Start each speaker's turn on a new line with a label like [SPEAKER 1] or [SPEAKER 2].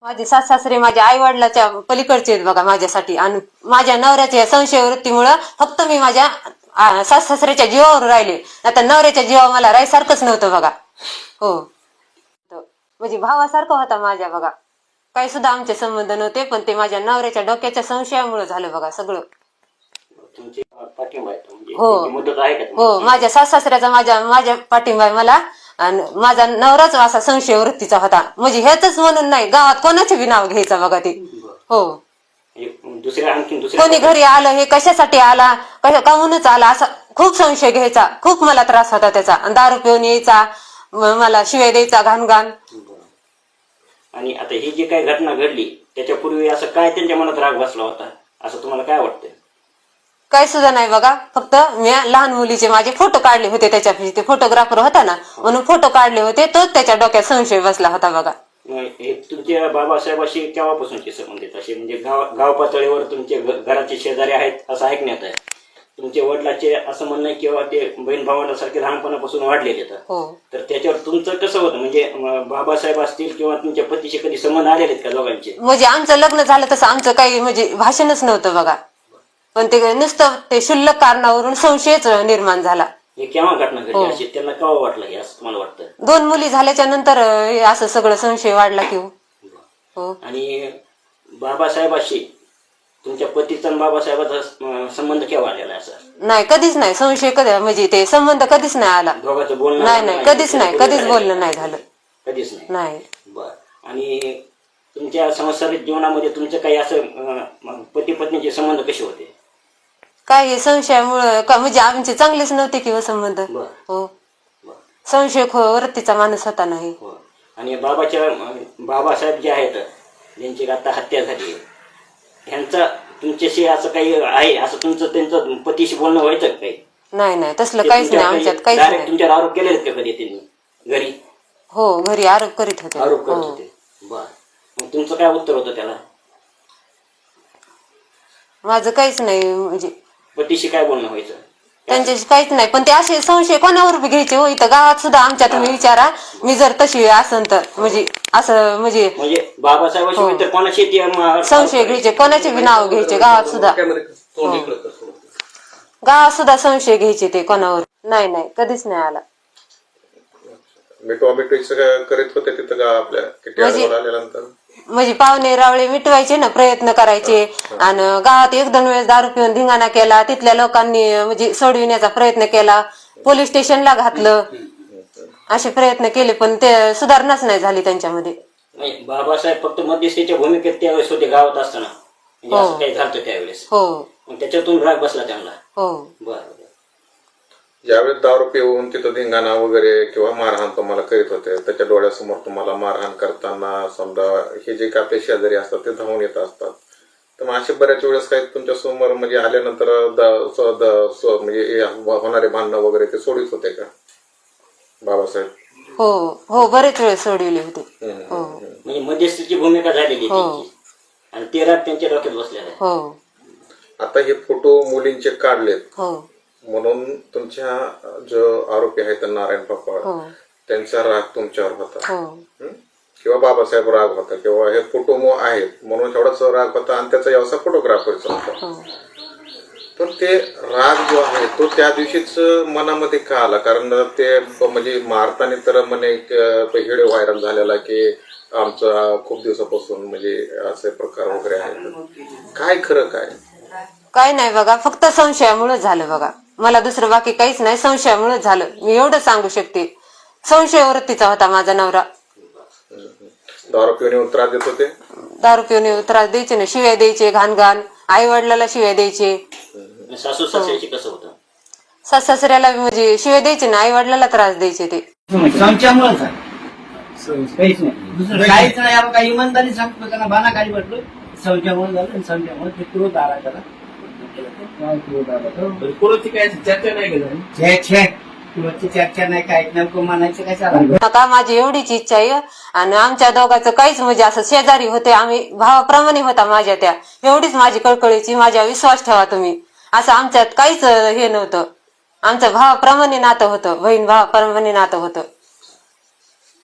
[SPEAKER 1] माझे सासरे माझ्या आई वडिलाच्या पलीकडचे आहेत बघा माझ्यासाठी. आणि माझ्या नवऱ्याच्या संशय वृत्तीमुळं फक्त मी माझ्या सासऱ्याच्या जीवावर राहिले. आता नवऱ्याच्या जीवावर मला राहायसारखंच नव्हतं बघा. हो, म्हणजे भावासारखं होता माझ्या बघा. काही सुद्धा आमचे संबंध नव्हते, पण ते माझ्या नवऱ्याच्या डोक्याच्या संशयामुळे झालं बघा सगळं. हो हो, माझ्या सासऱ्याचा माझ्या पाठिंबा आहे मला. आणि माझा नवराच असा संशय वृत्तीचा होता. म्हणजे हेच म्हणून नाही, गावात कोणाचे बी नाव घ्यायचं बघा ते. हो, कोणी घरी आलं हे कशासाठी आला, काहूनच आला असा खूप संशय घ्यायचा. खूप मला त्रास होता त्याचा. दारू पिऊन यायचा, मला शिवाय द्यायचा घाण घाण.
[SPEAKER 2] आणि आता ही जी काही घटना घडली त्याच्यापूर्वी असं काय त्यांच्या मनात राग बसला होता असं तुम्हाला काय वाटतंय?
[SPEAKER 1] काही सुद्धा नाही बघा. फक्त मी लहान मुलीचे माझे फोटो काढले होते त्याच्यापाशी. ते फोटोग्राफर होता ना, म्हणून फोटो काढले होते. तोच त्याच्या डोक्यात संशय बसला होता बघा.
[SPEAKER 2] हे तुमच्या बाबासाहेबाशी केव्हापासूनचे संबंध आहेत असे? म्हणजे गाव पातळीवर तुमचे घराचे शेजारी आहेत असं ऐकण्यात आहे. तुमच्या वडिलाचे असं म्हणणं आहे किंवा ते बहीण भावांसारखे लहानपणापासून वाढलेले आहेत. तर त्याच्यावर तुमचं कसं होतं? म्हणजे बाबासाहेब असतील किंवा तुमच्या पतीशी कधी संबंध आलेले आहेत का दोघांचे?
[SPEAKER 1] म्हणजे आमचं लग्न झालं तसं आमचं काही म्हणजे भाषणच नव्हतं बघा. पण ते नुसतं ते क्षुल्लक कारणावरून संशयच निर्माण झाला.
[SPEAKER 2] हे केव्हा घटना घडली अशी त्यांना केव्हा वाटलं हे असं तुम्हाला वाटतं?
[SPEAKER 1] 2 मुली झाल्याच्या नंतर असं सगळं संशय वाढला की हो.
[SPEAKER 2] आणि बाबासाहेबाशी तुमच्या पतीचा आणि बाबासाहेबाचा संबंध केव्हा आलेला असं?
[SPEAKER 1] नाही, कधीच नाही. संशय कधी म्हणजे ते संबंध कधीच नाही आला.
[SPEAKER 2] दोघांचं बोलणं
[SPEAKER 1] नाही, कधीच नाही, कधीच बोलणं नाही झालं.
[SPEAKER 2] कधीच
[SPEAKER 1] नाही.
[SPEAKER 2] बर. आणि तुमच्या संसारिक जीवनामध्ये तुमचं काही असं पती पत्नीचे संबंध कसे होते?
[SPEAKER 1] काही संशयामुळं म्हणजे आमचे चांगलेच नव्हते किंवा संबंध. हो, संशय वृत्तीचा माणूस होता नाही.
[SPEAKER 2] आणि बाबासाहेब जे आहेत ज्यांची आता हत्या झाली, ह्यांचा तुमच्याशी असं काही आहे असं तुमचं त्यांचं पतीशी बोलणं व्हायचं काही?
[SPEAKER 1] नाही, तसलं काहीच नाही आमच्यात. काहीच नाही.
[SPEAKER 2] तुमच्यावर आरोप केले का कधी त्यांनी घरी?
[SPEAKER 1] हो, घरी आरोप करीत होते.
[SPEAKER 2] बर. मग तुमचं काय उत्तर होतं त्याला?
[SPEAKER 1] माझं काहीच नाही. म्हणजे
[SPEAKER 2] पतीशी काय बोलणं व्हायचं?
[SPEAKER 1] त्यांच्याशी काहीच नाही. पण ते असे संशय कोणावर बी घ्यायचे हो. इथं गावात सुद्धा आमच्या तुम्ही विचारा, मी जर तशी असन तर म्हणजे असं म्हणजे
[SPEAKER 2] बाबासाहेबांशी तर कोणाशी
[SPEAKER 1] संशय घ्यायचे, कोणाचे बी नाव घ्यायचे गावात सुद्धा. गावात सुद्धा संशय घ्यायचे ते कोणावर. नाही, कधीच नाही आला.
[SPEAKER 3] करीत होते तिथं आपल्या
[SPEAKER 1] म्हणजे पाहुणे रावळे मिटवायचे ना, प्रयत्न करायचे. आणि गावात 1-2 वेळेस दारू पिऊन धिंगाणा केला. तिथल्या लोकांनी म्हणजे सोडविण्याचा प्रयत्न केला, पोलीस स्टेशनला घातलं, असे प्रयत्न केले, पण ते सुधारणाच नाही झाली त्यांच्यामध्ये.
[SPEAKER 2] बाबासाहेब फक्त मध्यस्थीच्या भूमिकेत त्यावेळेस होते गावात असताना, असं काही झालं त्यावेळेस.
[SPEAKER 1] हो,
[SPEAKER 2] त्याच्यातून राग बसला त्यांना.
[SPEAKER 1] हो.
[SPEAKER 2] बरं.
[SPEAKER 3] ज्यावेळेस दारू पिऊन तिथं धिंगाणा वगैरे किंवा मारहाण तुम्हाला करीत होते, त्याच्या डोळ्यासमोर तुम्हाला मारहाण करताना समजा हे जे आपले शेजारी असतात ते धावून येत असतात, तर मग असे बऱ्याच वेळेस काही तुमच्या समोर म्हणजे आल्यानंतर म्हणजे होणारे भांडणं वगैरे ते सोडित होते का बाबासाहेब?
[SPEAKER 1] हो, बरेच वेळ सोडविले होते.
[SPEAKER 2] म्हणजे मध्यस्थीची भूमिका झालेली आणि ते राग त्यांच्या डोक्यात बसलेला आहे.
[SPEAKER 1] हो.
[SPEAKER 3] आता हे फोटो मुलींचे काढलेत.
[SPEAKER 1] हो.
[SPEAKER 3] म्हणून तुमच्या जो आरोपी आहेत नारायण पापा, त्यांचा राग तुमच्यावर होता किंवा बाबासाहेब राग होता किंवा हे फोटो आहेत म्हणून एवढाच राग होता आणि त्याचा व्यवसाय फोटोग्राफरचा होता. तर ते राग जो आहे तो त्या दिवशीच मनामध्ये का आला? कारण ते म्हणजे मारताना तर म्हणे व्हिडिओ व्हायरल झालेला की आमचा खूप दिवसापासून म्हणजे असे प्रकार वगैरे आहेत. काय खरं काय
[SPEAKER 1] नाही बघा, फक्त संशयामुळे झालं बघा. मला दुसरं बाकी काहीच नाही, संशयामुळे झालं. मी एवढं सांगू शकते. संशय वृत्तीचा होता माझा नवरा.
[SPEAKER 3] दारू पिऊन त्रास देत होते?
[SPEAKER 1] दारू पिऊन त्रास द्यायचे ना, शिव्या द्यायचे घाण घाण. आई वडिलाला शिव्या द्यायचे.
[SPEAKER 2] सासू सासऱ्याची कसं होतं?
[SPEAKER 1] सासऱ्याला म्हणजे शिव्या द्यायचे ना, आई वडिलाला त्रास द्यायचे ते.
[SPEAKER 4] संशयामुळेच आहे, काहीच नाही. काहीच नाही. काही इमानदारी सांगतो त्यांना बाना काही म्हटलं. संशयामुळे झालं आणि संशयामुळे ते क्रोध आला त्याला.
[SPEAKER 5] कोणाची काय चर्चा नाही केली?
[SPEAKER 4] कुणाची चर्चा नाही, काय नेमकं म्हणायचं कशाला?
[SPEAKER 1] नका, माझी एवढीच इच्छा आहे. आणि आमच्या दोघांचं काहीच म्हणजे असं शेजारी होते आम्ही, भावाप्रमाणे होता माझ्या त्या. एवढीच माझी कळकळीची, माझ्या विश्वास ठेवा तुम्ही. असं आमच्यात काहीच हे नव्हतं. आमचं भावाप्रमाणे नातं होतं, बहीण भावाप्रमाणे नातं होतं.